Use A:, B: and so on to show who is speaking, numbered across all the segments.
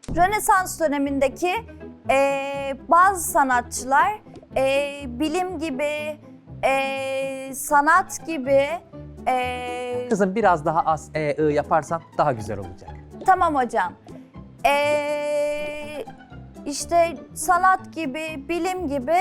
A: Rönesans dönemindeki bazı sanatçılar bilim gibi, sanat gibi...
B: Kızım biraz daha az yaparsan daha güzel olacak.
A: Tamam hocam. İşte sanat gibi, bilim gibi...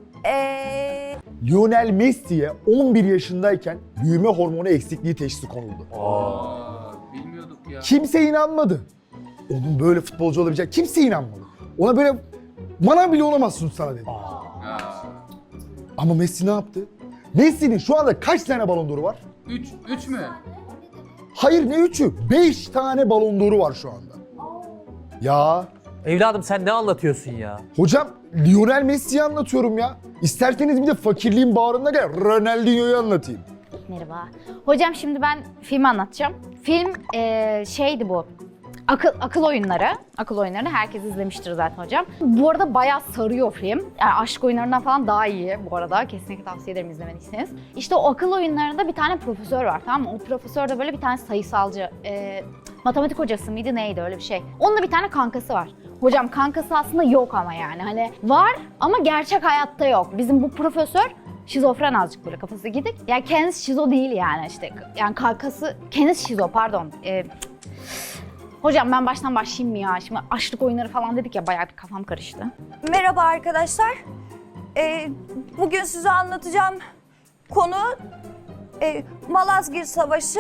C: Lionel Messi'ye 11 yaşındayken büyüme hormonu eksikliği teşhisi konuldu.
D: Bilmiyorduk ya.
C: Kimse inanmadı. Onun böyle futbolcu olabilecek kimse inanmadı. Ona böyle bana bile olamazsın sana dedi.
D: Ya.
C: Ama Messi ne yaptı? Messi'nin şu anda kaç tane balon d'Or'u var?
D: 3 mü?
C: Hayır ne 3'ü? 5 tane balon d'Or'u var şu anda. Ya
B: Evladım sen ne anlatıyorsun ya?
C: hocam Lionel Messi'yi anlatıyorum ya. İsterseniz bir de fakirliğin bağrında gel Ronaldinho'yu anlatayım.
E: Merhaba. Hocam şimdi ben film anlatacağım. Film şeydi bu. Akıl oyunları. Akıl oyunlarını herkes izlemiştir zaten hocam. Bu arada bayağı sarıyor film. Yani aşk oyunlarından falan daha iyi bu arada. Kesinlikle tavsiye ederim izlemediyseniz. İşte o akıl oyunlarında bir tane profesör var, tamam mı? O profesör de böyle bir tane sayısalcı, matematik hocası mıydı neydi öyle bir şey. Onun da bir tane kankası var. Hocam kankası aslında yok ama yani hani var ama gerçek hayatta yok. Bizim bu profesör şizofren azıcık böyle kafası gidik. Yani kendisi şizo değil yani işte. Yani kankası kendisi şizo pardon. Hocam ben baştan başlayayım mı ya? Şimdi açlık oyunları falan dedik ya bayağı bir kafam karıştı.
A: Merhaba arkadaşlar. Bugün size anlatacağım konu Malazgirt Savaşı.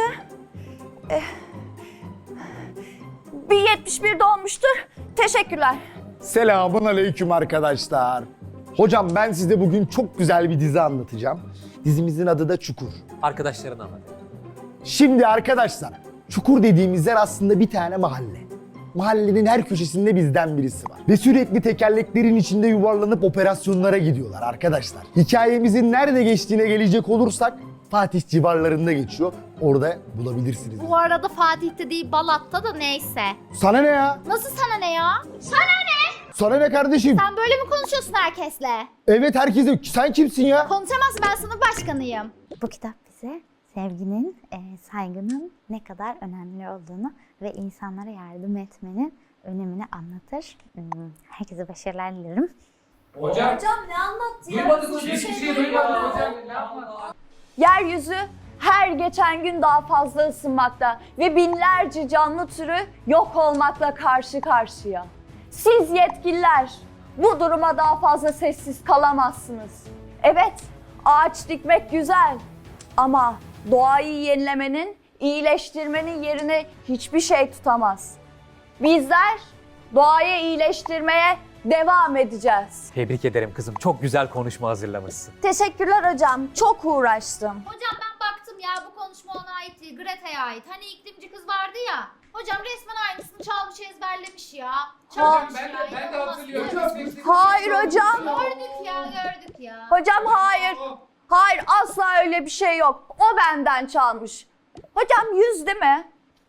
A: 1071'de olmuştur. Teşekkürler.
C: Selamun aleyküm arkadaşlar. Hocam ben size bugün çok güzel bir dizi anlatacağım. Dizimizin adı da Çukur.
B: Arkadaşlarına anlat.
C: Şimdi arkadaşlar, Çukur dediğimiz yer aslında bir tane mahalle. Mahallenin her köşesinde bizden birisi var. Ve sürekli tekerleklerin içinde yuvarlanıp operasyonlara gidiyorlar arkadaşlar. Hikayemizin nerede geçtiğine gelecek olursak Fatih civarlarında geçiyor. Orada bulabilirsiniz.
F: Bu arada Fatih'te değil Balat'ta da neyse.
C: Sana ne ya?
F: Nasıl sana ne ya? Sana ne?
C: Sana ne kardeşim?
F: Sen böyle mi konuşuyorsun herkesle?
C: Evet herkese. Sen kimsin ya?
F: Konuşamazsın, ben sınıf başkanıyım.
E: Bu kitap bize sevginin, saygının ne kadar önemli olduğunu ve insanlara yardım etmenin önemini anlatır. Herkese başarılar dilerim.
D: Hocam
A: ne anlattı
D: duymadık hocam. Hiçbir şey duymadık hocam. Ne yapmadık?
A: Yeryüzü her geçen gün daha fazla ısınmakta ve binlerce canlı türü yok olmakla karşı karşıya. Siz yetkililer bu duruma daha fazla sessiz kalamazsınız. Evet, ağaç dikmek güzel ama doğayı yenilemenin, iyileştirmenin yerini hiçbir şey tutamaz. Bizler doğayı iyileştirmeye devam edeceğiz.
B: Tebrik ederim kızım. Çok güzel konuşma hazırlamışsın.
A: Teşekkürler hocam, çok uğraştım.
F: Hocam ben baktım ya bu konuşma ona ait değil, Greta'ya ait. Hani iklimci kız vardı ya. Hocam resmen aynısını çalmış ezberlemiş ya. Çalmış
D: Ben
F: ya.
D: de
F: inanılmaz.
D: hatırlıyorum.
A: Hayır hocam.
F: Gördük ya.
A: Hocam hayır. Hayır asla öyle bir şey yok. O benden çalmış. Hocam 100 değil mi?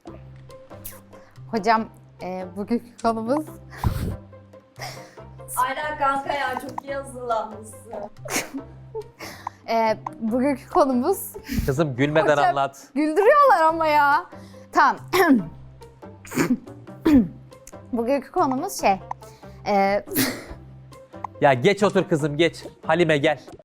E: Hocam bugünkü konumuz...
A: Aynen kanka ya çok iyi hazırlanmışsın.
E: Bugünkü konumuz...
B: Kızım gülmeden
E: Hocam-
B: anlat.
E: Güldürüyorlar ama ya. Tamam. Bugünkü konumuz şey...
B: Ya geç otur kızım geç. Halime gel.